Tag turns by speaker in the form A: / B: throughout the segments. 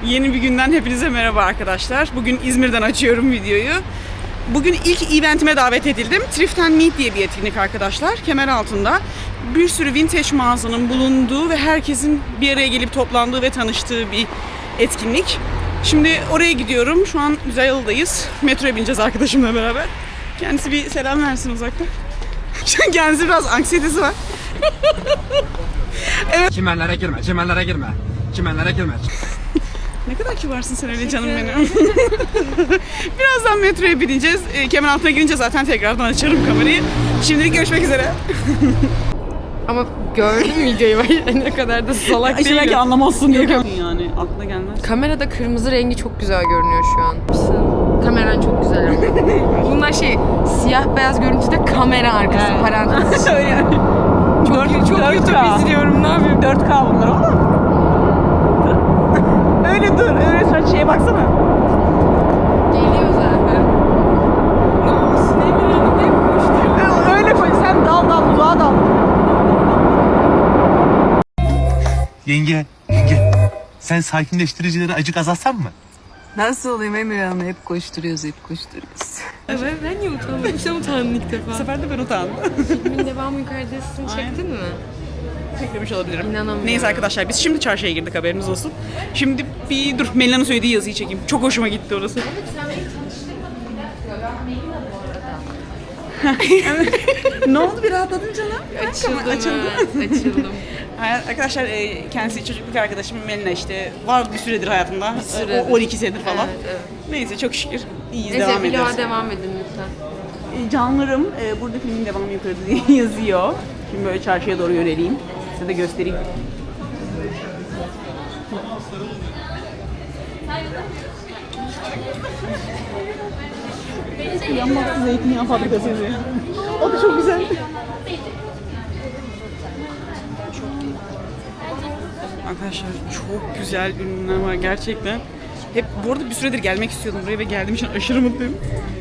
A: Yeni bir günden hepinize merhaba arkadaşlar. Bugün İzmir'den açıyorum videoyu. Bugün ilk eventime davet edildim. Thrift and Meet diye bir etkinlik arkadaşlar. Kemeraltı'nda bir sürü vintage mağazanın bulunduğu ve herkesin bir araya gelip toplandığı ve tanıştığı bir etkinlik. Şimdi oraya gidiyorum. Şu an Güzelyalı'dayız. Metroya bineceğiz arkadaşımla beraber. Kendisi bir selam versin uzaktan. Kendisi biraz anksiyetesi var.
B: Evet. Çimenlere girme, çimenlere girme. Çimenlere girme.
A: Ne kadar kibarsın sen öyle canım benim. Birazdan metroya bineceğiz. Kemeraltı'na girince zaten tekrardan açarım kamerayı. Şimdilik görüşmek üzere.
C: Ama gördüm videoyu ne kadar da salak
A: İşte
C: değilim.
A: belki anlamazsın diye. Yani aklına gelmez.
C: Kamerada kırmızı rengi çok güzel görünüyor şu an. Kameran çok güzel ama. Bunlar siyah beyaz görüntüde kamera arkası parantez.
A: Öyle yani.
C: Çok
A: 4K.
C: YouTube izliyorum, ne yapayım?
A: 4K bunlar ama. Öyle dur, öyle sen şeye baksana.
C: Geliyor zaten. Ne olsun Emir Hanım, hep koşturuyor.
A: Öyle koy, sen dal, uzağa dal.
D: Yenge, sen sakinleştiricileri acık azaltsan mı?
E: Nasıl olayım Emir Hanım? Hep koşturuyoruz.
C: Ben niye utandım? Sen utandın ilk defa.
A: Bu sefer de ben utandım.
C: Filmin devamı yukarıdasını çektin mi?
A: Beklemiş olabilirim.
C: İnanamıyorum.
A: Neyse arkadaşlar, biz şimdi çarşıya girdik, haberiniz olsun. Şimdi bir dur, Melina'nın söylediği yazıyı çekeyim. Çok hoşuma gitti orası. Ne oldu, bir rahatladın canım?
C: Açıldım.
A: Arkadaşlar kendisi çocukluk arkadaşım Melina, işte var bir süredir hayatımda.
C: süredir.
A: 12 senedir falan.
C: Evet.
A: Neyse çok şükür iyiyiz,
C: Neyse
A: devam ediyoruz.
C: vloga devam edin lütfen.
A: Canlarım, burada filmin devamı yukarıda diye yazıyor. Şimdi böyle çarşıya doğru yöneleyim. Size de göstereyim. Yanmazlı zeytinyağı fabrikası yazıyor. O da çok güzel. Arkadaşlar çok güzel ürünler var gerçekten. Hep bu arada bir süredir gelmek istiyordum buraya ve geldiğim için aşırı mutluyum.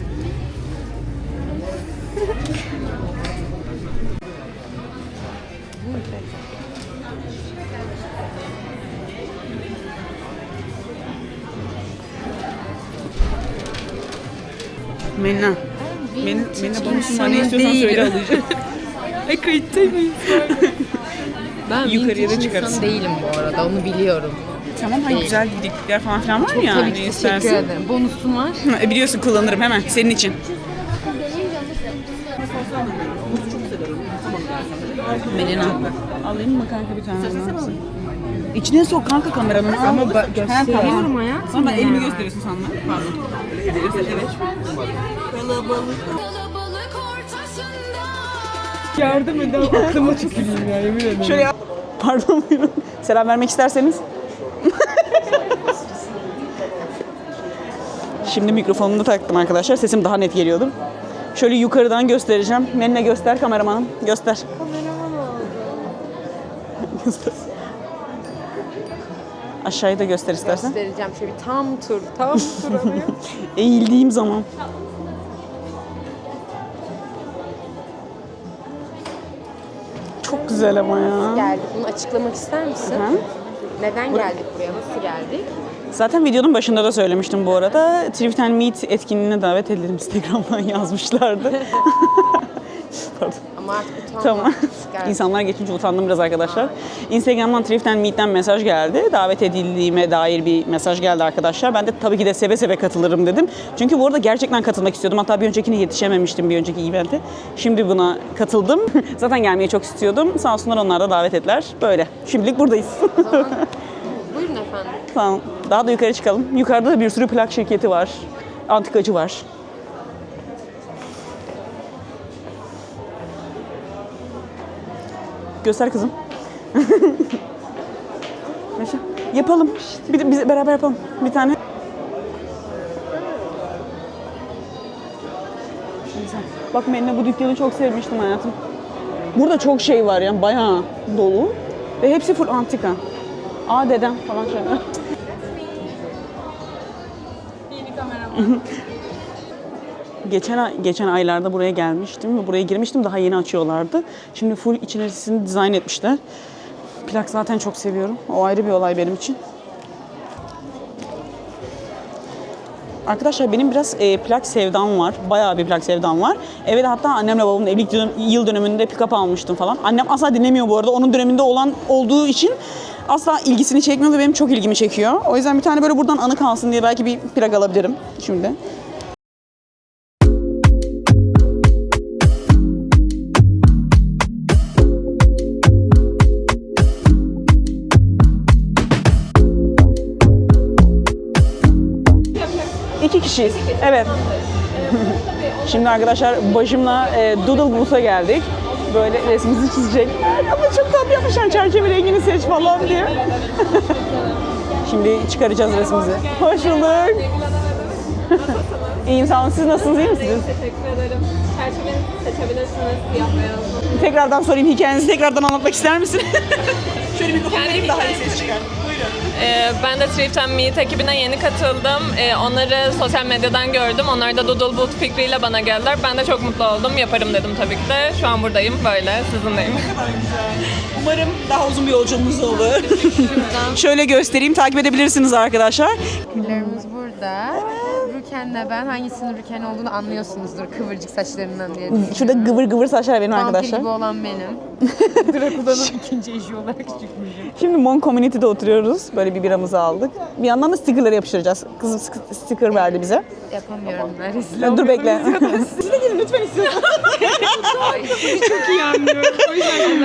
A: Melina. Melina bonusundan ne istiyorsan söyle, alacağım.
C: Kayıtta mıyım? Ben
A: Yukarıya da
C: vintage
A: çıkarız.
C: insan değilim bu arada, onu biliyorum.
A: Tamam, hani güzel diklikler falan filan var ya.
C: Tabii
A: Ne
C: ki,
A: istersin.
C: teşekkür ederim. Bonusun var.
A: Biliyorsun, kullanırım hemen senin için. Melina. Alayım mı kanka bir tane? İçine sok kanka kameranın. Ama
C: Gösteriyorum hayatım.
A: Ama ben elimi gösteriyorsun sanma. Pardon. Evet.
C: Yardım edin, aklıma tüküreyim ya, yemin ederim.
A: Şöyle yap. Pardon, buyurun. Selam vermek isterseniz. Şimdi mikrofonumu da taktım arkadaşlar. Sesim daha net geliyordu. Şöyle yukarıdan göstereceğim. Melina göster, kameramanım. Göster. Kameraman oldu. Göster. Aşağıyı da göster istersen.
C: Göstereceğim şöyle bir tam tur alıyor.
A: Eğildiğim zaman. Çok güzel ama ya.
C: Geldik. Bunu açıklamak ister misin?
A: Hı.
C: Neden geldik buraya? Nasıl geldik?
A: Zaten videonun başında da söylemiştim bu arada. Thrift and Meet etkinliğine davet edildim. Instagram'dan yazmışlardı. Pardon.
C: Ama artık utanma.
A: Tamam.
C: Geldik.
A: İnsanlar geçince utandım biraz arkadaşlar. Instagram'dan Thrift and Meet'ten mesaj geldi. Davet edildiğime dair bir mesaj geldi arkadaşlar. Ben de tabii ki de seve seve katılırım dedim. Çünkü bu arada gerçekten katılmak istiyordum. Hatta bir öncekine yetişememiştim, bir önceki event'e. Şimdi buna katıldım. Zaten gelmeyi çok istiyordum. Sağ olsunlar, onlar da davet ettiler. Böyle. Şimdilik buradayız.
C: Buyurun efendim.
A: Tamam. Daha da yukarı çıkalım. Yukarıda da bir sürü plak şirketi var. Antikacı var. Göster kızım. Yaşa. Yapalım. Biz beraber yapalım. Bir tane. Bak Melina, bu dükkanı çok sevmiştim hayatım. Burada çok şey var yani, bayağı dolu. Ve hepsi full antika. Aa dedem falan şöyle. Yeni kamera. Geçen aylarda buraya gelmiştim ve buraya girmiştim. Daha yeni açıyorlardı. Şimdi full içerisini dizayn etmişler. Plak zaten çok seviyorum. O ayrı bir olay benim için. Arkadaşlar benim biraz plak sevdam var. Bayağı bir plak sevdam var. Eve de hatta annemle babamın evlilik yıl dönümünde pick-up almıştım falan. Annem asla dinlemiyor bu arada. Onun döneminde olduğu için asla ilgisini çekmiyor ve benim çok ilgimi çekiyor. O yüzden bir tane böyle buradan anı kalsın diye belki bir plak alabilirim şimdi. İki kişiyiz. Evet. Şimdi arkadaşlar başımla Doodle Booth'a geldik. Böyle resmimizi çizecek. Ama çok tatlı yapmışlar, çerçeve rengini seç falan diye. Şimdi çıkaracağız resmimizi. Hoş bulduk. İyiyim, sağ olun. Siz nasılsınız, iyi misiniz?
F: Teşekkür ederim. Çerçevenizi seçebilirsiniz, siyah beyaz.
A: Tekrardan sorayım, hikayenizi tekrardan anlatmak ister misin? Şöyle mikrofonu vereyim, daha iyi ses çıkar.
F: Ben de Thrift and Meet ekibine yeni katıldım. Onları sosyal medyadan gördüm. Onlar da Doodle Booth fikriyle bana geldiler. Ben de çok mutlu oldum. Yaparım dedim tabii ki de. Şu an buradayım böyle, sizinleyim.
A: Umarım daha uzun bir yolculuğumuz olur. Şöyle göstereyim, takip edebilirsiniz arkadaşlar.
C: Güllerimiz burada. Rüken'le ben hangisinin Rüken olduğunu anlıyorsunuzdur kıvırcık saçlarından diye.
A: Şurada gıvır gıvır saçlar benim
C: Vampir
A: arkadaşlar.
C: gibi olan benim. Drakula'nın ikinci eşi olarak çıkmışım.
A: Şimdi Mon Community'de oturuyoruz. Böyle bir biramızı aldık. Bir yandan da stickerları yapıştıracağız. Kızım sticker verdi bize.
C: Yapamıyorum ben rezil
A: Dur bekle. Siz de gelin lütfen istiyorum.
C: çok iyi anlıyorum. O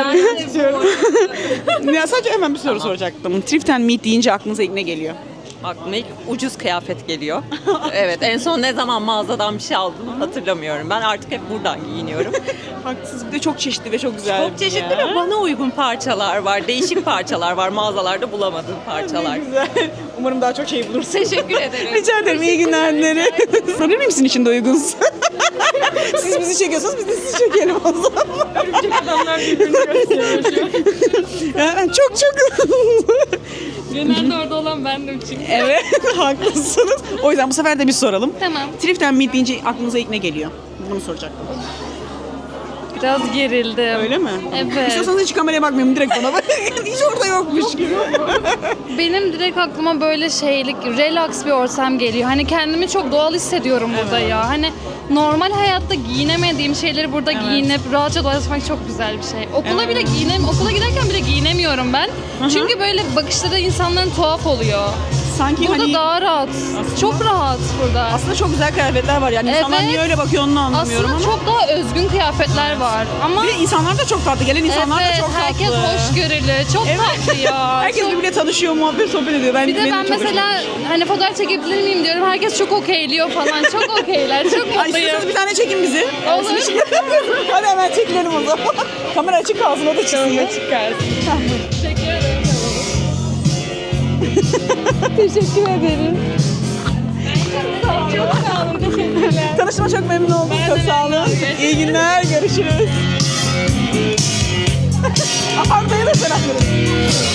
C: yüzden
A: Ya sadece hemen bir soru soracaktım. Thrift and Meet deyince aklınıza ilk ne geliyor?
G: Aklıma ilk ucuz kıyafet geliyor. Evet, en son ne zaman mağazadan bir şey aldım hatırlamıyorum. Ben artık hep buradan giyiniyorum.
A: Haklısınız. Bir de çok çeşitli ve çok güzel.
G: Çok çeşitli ve bana uygun parçalar var. Değişik parçalar var. Mağazalarda bulamadığım parçalar.
A: Güzel. Umarım daha çok şey bulursun.
G: Teşekkür ederim.
A: Rica ederim. İyi günler dilerim. Sorabilir miyim sizin için de uygunsa? Siz bizi çekiyorsanız biz de sizi çekelim o zaman.
F: Örümcek adamlar birbirini gösteriyor.
A: Yani çok.
F: Genelde orada olan bendim çünkü.
A: Evet, haklısınız. O yüzden bu sefer de bir soralım.
F: Tamam.
A: Thrift and Meet deyince aklınıza ilk ne geliyor? Bunu soracaktım.
F: Biraz gerildim.
A: Öyle mi?
F: Evet.
A: İstiyorsanız hiç kameraya bakmayayım, direkt bana bak. Hiç orada yokmuş gibi.
H: Benim direkt aklıma böyle şeylik, relax bir ortam geliyor. Hani kendimi çok doğal hissediyorum burada ya. Hani normal hayatta giyinemediğim şeyleri burada giyinip rahatça dolaşmak çok güzel bir şey. Okula bile okula giderken bile giyinemiyorum ben. Çünkü böyle bakışları insanların tuhaf oluyor.
A: Sanki
H: Burada
A: hani
H: daha rahat. Çok rahat burada.
A: aslında çok güzel kıyafetler var. Yani insanlar
H: Evet.
A: niye öyle bakıyor onu anlamıyorum
H: Aslında
A: ama.
H: çok daha özgün kıyafetler var. Ama
A: Bir de insanlar da çok tatlı. Gelen insanlar da
H: evet,
A: çok tatlı.
H: herkes hoşgörülü. Çok tatlı ya.
A: Herkes
H: Çok-
A: birbiriyle tanışıyor, muhabbet, sohbet ediyor.
H: Bir de
A: benim
H: ben
A: çok hoşuma
H: mesela hani fotoğraf çekebilir miyim diyorum. Herkes çok okeyliyor falan. Çok okeyler. Çok
A: Ay,
H: mutluyum.
A: istiyorsanız bir tane çekin bizi.
H: Olur.
A: Hadi hemen çekilelim o zaman. Kamera açık kalsın, o da çizsin. Açık kalsın.
H: Teşekkür ederim.
A: Tanışma çok memnun oldum. Çok sağ olun. İyi günler. Görüşürüz. Arda'ya da selam verin.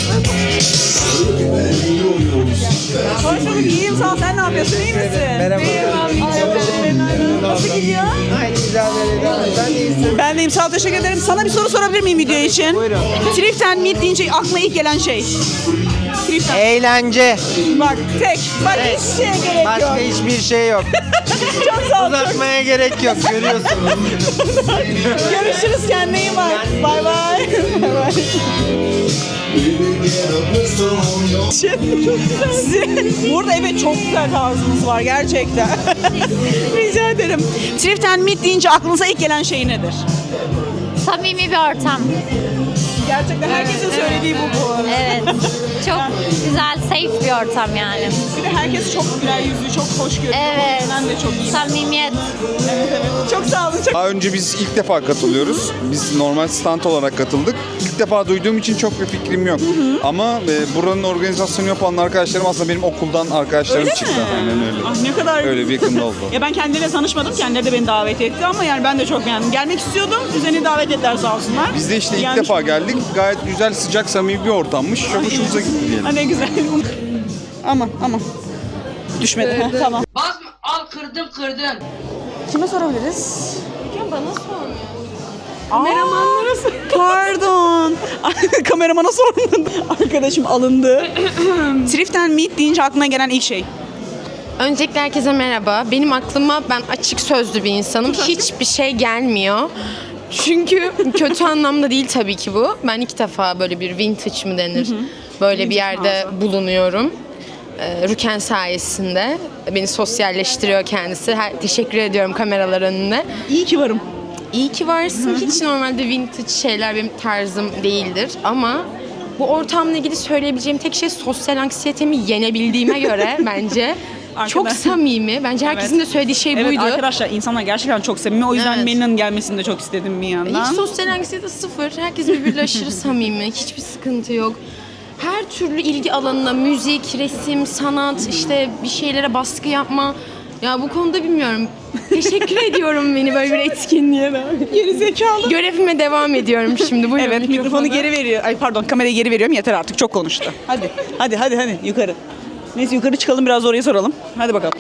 A: Hoş bulduk. İyiyim sağ ol. Sen ne yapıyorsun? İyi misin? Merhaba. Nasıl gidiyor? Ben deyim. Sağ ol. Teşekkür ederim. Sana bir soru sorabilir miyim video için? Buyurun. Thrift and Meet deyince aklına ilk gelen şey. Thrift and
I: Eğlence.
A: Bak tek. Bak hiç şeye gerek
I: Başka
A: yok.
I: hiçbir şey yok.
A: Çok sağ ol.
I: Uzatmaya gerek yok. Görüyorsun.
A: Görüşürüz. Kendine iyi bak. Bay bay. Bay bay. Burada evet çok güzel tarzınız var gerçekten. Rica ederim. Thrift and Meet deyince aklınıza ilk gelen şey nedir?
J: Samimi bir ortam.
A: Gerçekten herkesin söylediği bu arada.
J: Evet. Çok güzel, safe bir ortam yani.
A: Bir de herkes çok güler yüzlü, çok hoşgörülü.
J: Evet.
A: Ben de çok iyi.
J: Samimiyet.
A: Evet, evet. Çok sağ olun. Çok...
K: Daha önce biz ilk defa katılıyoruz. Biz normal stand olarak katıldık. İlk defa duyduğum için çok bir fikrim yok. Ama buranın organizasyonu yapan arkadaşlarım aslında benim okuldan arkadaşlarım
A: Öyle
K: çıktı.
A: mi?
K: Aynen öyle.
A: Ah ne kadar...
K: Öyle bir yakında oldu.
A: Ya ben kendileriyle tanışmadım. Kendileri de beni davet etti ama yani ben de çok beğendim. Gelmek istiyordum. Üzerine davet ettiler sağ olsunlar.
K: Biz de işte ilk
A: Gelmiş
K: defa
A: olduk.
K: geldik. Gayet güzel, sıcak, samimi bir ortammış. Çok hoşumuza gitti diyelim.
A: Ha, ne güzel. Aman. Düşmedi. Ha, tamam.
L: Basma, al kırdım.
A: Kime sorabiliriz? Bana sor. Kameramanlara sor. Pardon. Kameramana sordun. Arkadaşım alındı. Thrift and Meet deyince aklına gelen ilk şey.
C: Öncelikle herkese merhaba. Benim aklıma, ben açık sözlü bir insanım. Hiçbir şey gelmiyor. Çünkü kötü anlamda değil tabii ki bu. Ben ilk defa böyle bir vintage mı denir? Böyle bir yerde bulunuyorum. Rüken sayesinde. Beni sosyalleştiriyor kendisi. Teşekkür ediyorum kameralar önünde.
A: İyi ki varım.
C: İyi ki varsın. Hiç normalde vintage şeyler benim tarzım değildir. Ama bu ortamla ilgili söyleyebileceğim tek şey sosyal anksiyetemi yenebildiğime göre bence çok samimi. Bence herkesin de söylediği şey
A: Evet
C: buydu.
A: arkadaşlar insanlar gerçekten çok samimi. O yüzden
C: Evet.
A: Melina'nın gelmesini de çok istedim bir yandan.
C: Hiç sosyal anksiyete sıfır. Herkes birbiriyle aşırı samimi. Hiçbir sıkıntı yok. Her türlü ilgi alanına müzik, resim, sanat, işte bir şeylere baskı yapma. Ya bu konuda bilmiyorum. Teşekkür ediyorum beni böyle bir etkinliğe.
A: Geri zekalı.
C: Görevime devam ediyorum şimdi. Buyurun
A: Evet mikrofonu geri veriyor. Ay pardon kamerayı geri veriyorum. Yeter artık çok konuştu. Hadi yukarı. Neyse yukarı çıkalım biraz oraya soralım. Hadi bakalım.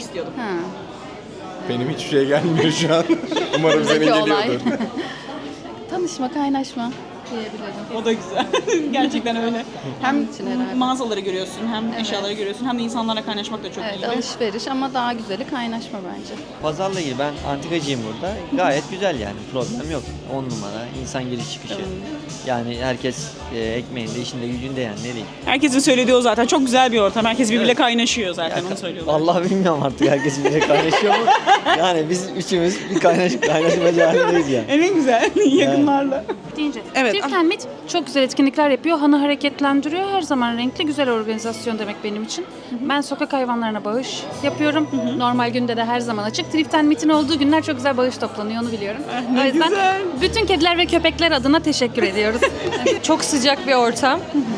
K: Benim hiçbir şey gelmiyor şu an. Umarım senin geliyordur.
H: Tanışma, kaynaşma diyebilirim.
A: O da güzel. Gerçekten öyle. Hem
H: için herhalde.
A: mağazaları görüyorsun, hem eşyaları görüyorsun, hem de insanlarla kaynaşmak da çok iyi.
H: Alışveriş ama daha güzeli kaynaşma bence.
I: Pazarla ilgili ben antikacıyım burada. Gayet güzel yani. Problem yok. 10 numara. İnsan giriş çıkışı. Yani herkes ekmeğinde, işinde, gücünde yani ne diyeyim.
A: Herkesin söylediği o zaten. Çok güzel bir ortam. Herkes birbiriyle kaynaşıyor zaten onu söylüyorlar.
I: Vallahi bilmiyorum artık herkes birbirine kaynaşıyor mu? Yani biz üçümüz bir kaynaşmacı halindeyiz yani.
A: En güzel yakınlarla.
H: Deyince.
A: Evet.
H: Thrift and Meet çok güzel etkinlikler yapıyor. Hanı hareketlendiriyor. Her zaman renkli, güzel organizasyon demek benim için. Ben sokak hayvanlarına bağış yapıyorum. Normal günde de her zaman açık. Thrift and Meet'in olduğu günler çok güzel bağış toplanıyor, onu biliyorum. O yüzden
A: güzel.
H: bütün kediler ve köpekler adına teşekkür ediyoruz.
F: Çok sıcak bir ortam.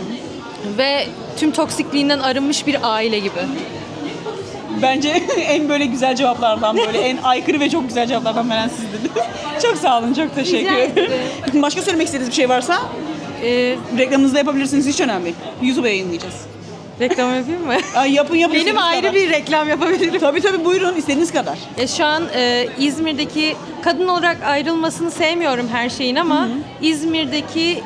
F: Ve tüm toksikliğinden arınmış bir aile gibi.
A: Bence en böyle güzel cevaplardan, böyle en aykırı ve çok güzel cevaplardan veren sizdiniz. Çok sağ olun, çok teşekkür ederim. Başka söylemek istediğiniz bir şey varsa reklamınızı da yapabilirsiniz, hiç önemli değil. YouTube'a yayınlayacağız.
F: Reklam yapayım mı?
A: Ay, yapın.
F: Benim
A: istediğiniz
F: ayrı
A: kadar.
F: bir reklam yapabilirim.
A: Tabii buyurun, istediğiniz kadar.
F: Şu an İzmir'deki kadın olarak ayrılmasını sevmiyorum her şeyin ama İzmir'deki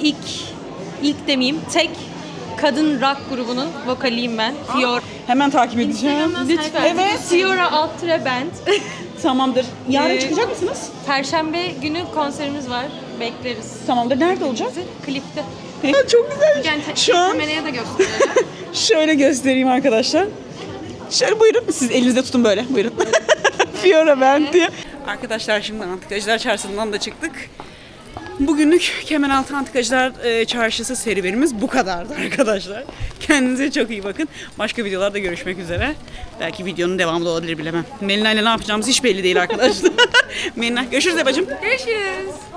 F: ilk demeyeyim tek kadın rock grubunun vokaliyim ben. Fiora.
A: Hemen takip edeceğim.
F: Lütfen.
A: Evet.
F: Fiora Altre Band.
A: Tamamdır. Yarın
F: Ee,
A: çıkacak mısınız?
F: Perşembe günü konserimiz var. Bekleriz.
A: Tamamdır. Nerede olacak?
F: Klipte.
A: Çok güzel.
C: Yani
A: Şu an
C: kameraya da gösterelim.
A: şöyle göstereyim arkadaşlar. Şöyle buyurun. Siz elinizde tutun böyle. Buyurun. Fiora Band diye. Arkadaşlar şimdi Antikacılar Çarşısı'ndan da çıktık. Bugünlük Kemeraltı Antikacılar Çarşısı serüvenimiz bu kadardı arkadaşlar. Kendinize çok iyi bakın. Başka videolarda görüşmek üzere. Belki videonun devamı da olabilir bilemem. Melina ile ne yapacağımız hiç belli değil arkadaşlar. Melina görüşürüz bacım.
C: Görüşürüz.